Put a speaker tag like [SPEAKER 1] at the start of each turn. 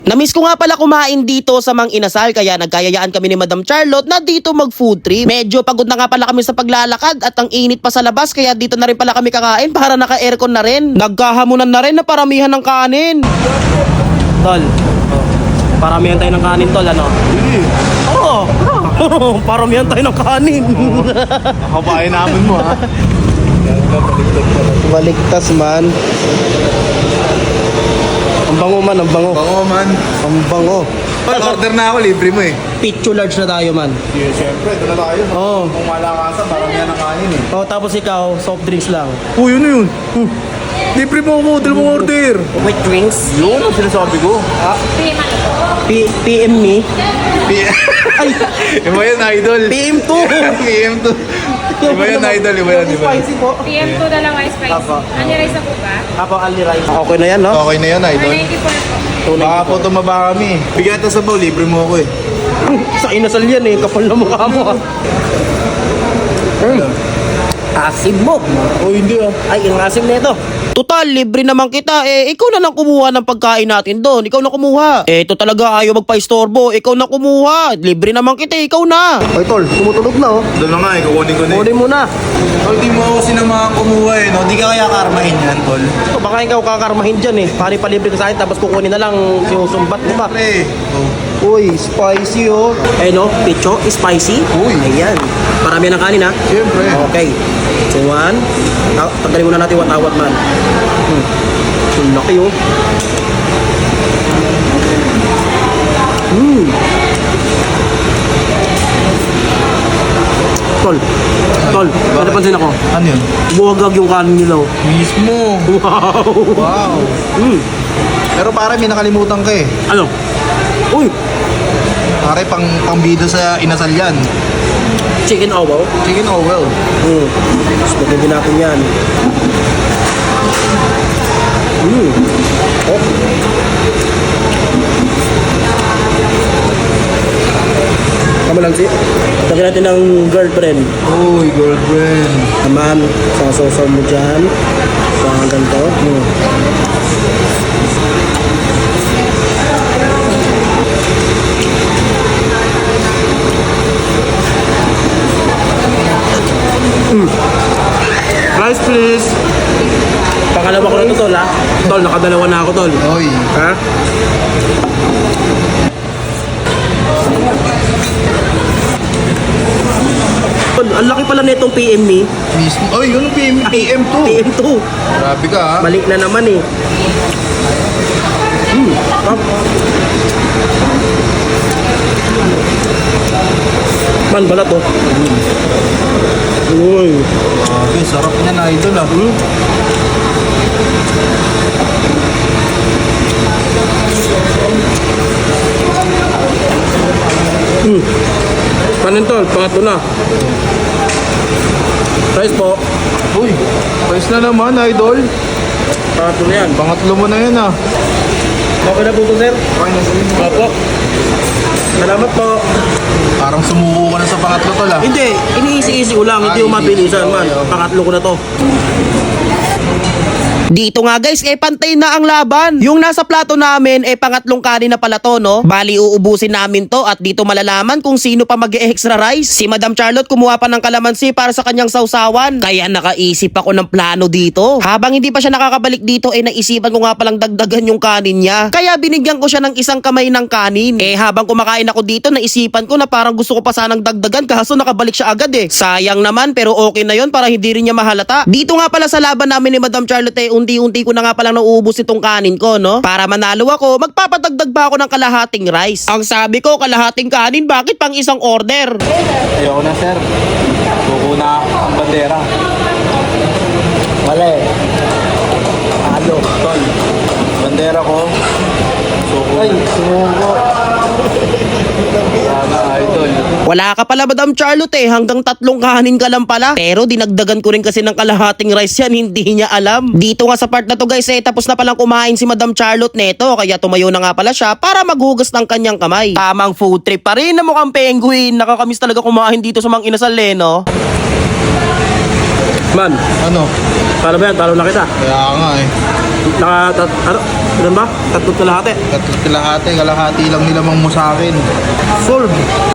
[SPEAKER 1] Namiss ko nga pala kumain dito sa Mang Inasal kaya nagkayayaan kami ni Madam Charlotte na dito mag food trip. Medyo pagod na nga pala kami sa paglalakad at ang init pa sa labas kaya dito na rin pala kami kakain para naka-aircon na rin. Nagkahamunan na rin na paramihan ng kanin. Tol, paramihan tayo ng kanin tol, ano? Oo, paramihan tayo ng kanin.
[SPEAKER 2] Kabain namin mo ha.
[SPEAKER 1] Baligtas man. Ang bango man, ang bango.
[SPEAKER 2] Bango man.
[SPEAKER 1] Ang bango.
[SPEAKER 2] Order na ako, libre mo eh.
[SPEAKER 1] Picture large na tayo man.
[SPEAKER 2] Yeah, syempre, ito na tayo.
[SPEAKER 1] Oo.
[SPEAKER 2] Kung malakasan, parang yan ang kanin eh.
[SPEAKER 1] Oh, tapos ikaw, soft drinks lang.
[SPEAKER 2] Yun na yun. Libre mo ako, dala mo order.
[SPEAKER 1] With drinks?
[SPEAKER 2] Yun ang sinasabi ko.
[SPEAKER 1] PM me? Ay,
[SPEAKER 2] Iba yan, idol.
[SPEAKER 1] PM2.
[SPEAKER 2] PM2. Iba yan, idol. Iba yan, iba.
[SPEAKER 1] Spicy po.
[SPEAKER 3] PM2 na lang ay spicy.
[SPEAKER 1] Apo.
[SPEAKER 3] Ano rice na po ba?
[SPEAKER 1] Apo, ali rice. Okay na yan, no?
[SPEAKER 2] Okay na yan, idol.
[SPEAKER 3] 194 po.
[SPEAKER 2] Baka po tumaba kami. Bigyan ito sa baw, libre mo ako eh.
[SPEAKER 1] Sa inasal yan eh, kapal na mukha mo. Asim mo.
[SPEAKER 2] Oh, hindi ah.
[SPEAKER 1] Ay, ang asim na ito. Total, libre naman kita. Ikaw na lang kumuha ng pagkain natin doon. Ikaw na kumuha. Ito talaga, ayaw magpa-istorbo. Ikaw na kumuha. Libre naman kita, ikaw na. Ay, tol, tumutunog na, oh.
[SPEAKER 2] Doon na nga eh, kukunin ko na eh.
[SPEAKER 1] Kunin mo na.
[SPEAKER 2] Tol, di mo ako sinamahan kumuha eh, no? Di ka kaya karmahin yan, tol.
[SPEAKER 1] So, baka ikaw kakarmahin dyan eh. Pari palibre ka sa akin, tapos kukunin na lang sinusumbat mo pa.
[SPEAKER 2] Pre. Oh.
[SPEAKER 1] Uy, spicy oh. Eh no, picho, spicy.
[SPEAKER 2] Uy.
[SPEAKER 1] Ayan. Parami ng kanin ha.
[SPEAKER 2] Siyempre.
[SPEAKER 1] Okay. So one. Tanggalin muna natin watawat man. Ang laki oh. Tol. Tol, may napansin ako.
[SPEAKER 2] Ano yun?
[SPEAKER 1] Buwagag yung kanin nila oh.
[SPEAKER 2] Mismo.
[SPEAKER 1] Wow.
[SPEAKER 2] Wow. Pero pare, may nakalimutan ka eh.
[SPEAKER 1] Ano? Uy,
[SPEAKER 2] Pare, pang-bida sa inasal yan.
[SPEAKER 1] chicken owaw.
[SPEAKER 2] Chicken oh well.
[SPEAKER 1] Mas maganda natin yan. Oh. Tama lang si. Lagyan natin ng girlfriend.
[SPEAKER 2] Uy, girlfriend.
[SPEAKER 1] Naman, sasaw mo dyan. Parang ganito.
[SPEAKER 2] Rice please.
[SPEAKER 1] Pangalawa ko na to, tol, ha? Tol, nakadalawa na ako, tol.
[SPEAKER 2] Uy.
[SPEAKER 1] Ha? Tol, ang laki pala nitong PM me.
[SPEAKER 2] Mismo. Uy, yun ang PM2.
[SPEAKER 1] PM2.
[SPEAKER 2] Grabe ka ha.
[SPEAKER 1] Mali na naman eh. Man, balat oh. Uy.
[SPEAKER 2] Grabe, sarap niyan idol ah.
[SPEAKER 1] Panin tol, pangatlo na. Rice po.
[SPEAKER 2] Uy, price na naman idol.
[SPEAKER 1] Pangatlo na yan.
[SPEAKER 2] Pangatlo mo na yan ah.
[SPEAKER 1] Okay na po to, sir.
[SPEAKER 2] Okay na sa'yo.
[SPEAKER 1] Opo. Salamat po.
[SPEAKER 2] Parang sumuko ka na sa pangatlo tol ah.
[SPEAKER 1] Hindi, iniisi-isi ko lang. Hindi
[SPEAKER 2] Ah,
[SPEAKER 1] yung mabilisan
[SPEAKER 2] isi-isi.
[SPEAKER 1] man.
[SPEAKER 2] Okay, okay.
[SPEAKER 1] Pangatlo ko na to. Dito nga guys, pantay na ang laban. Yung nasa plato namin, pangatlong kanin na pala to, no? Bali, uubusin namin to at dito malalaman kung sino pa mag-extra rice. Si Madam Charlotte kumuha pa ng kalamansi para sa kanyang sausawan. Kaya nakaisip ako ng plano dito. Habang hindi pa siya nakakabalik dito, naisipan ko nga palang dagdagan yung kanin niya. Kaya binigyan ko siya ng isang kamay ng kanin. Habang kumakain ako dito, naisipan ko na parang gusto ko pa sanang dagdagan kaso nakabalik siya agad eh. Sayang naman pero okay na yon para hindi rin niya mahalata. Dito nga pala sa laban namin ni Madam Charlotte, unti-unti ko na nga palang nauubos itong kanin ko, no? Para manalo ako, magpapadagdag pa ako ng kalahating rice. Ang sabi ko, kalahating kanin, bakit pang isang order?
[SPEAKER 2] Ayoko na sir. Suko na ang bandera.
[SPEAKER 1] Wala eh. Ano?
[SPEAKER 2] Tol, bandera ko. Suko.
[SPEAKER 1] Ay, sumuko.
[SPEAKER 2] Sana idol.
[SPEAKER 1] Wala ka pala, Madam Charlotte hanggang 3 kanin ka lang pala. Pero dinagdagan ko rin kasi ng kalahating rice yan, hindi niya alam. Dito nga sa part na to guys, tapos na palang kumain si Madam Charlotte neto, kaya tumayo na nga pala siya para maghugas ng kanyang kamay. Tamang food trip pa rin na mukhang penguin. Nakakamiss talaga kumain dito sa Mang Inasal no? Man,
[SPEAKER 2] Ano?
[SPEAKER 1] paano ba yan? Talo na kita.
[SPEAKER 2] Kaya nga eh.
[SPEAKER 1] Ilan ba? Tatlong kalahati.
[SPEAKER 2] Kalahati lang nilamang mo sa akin.
[SPEAKER 1] Solve.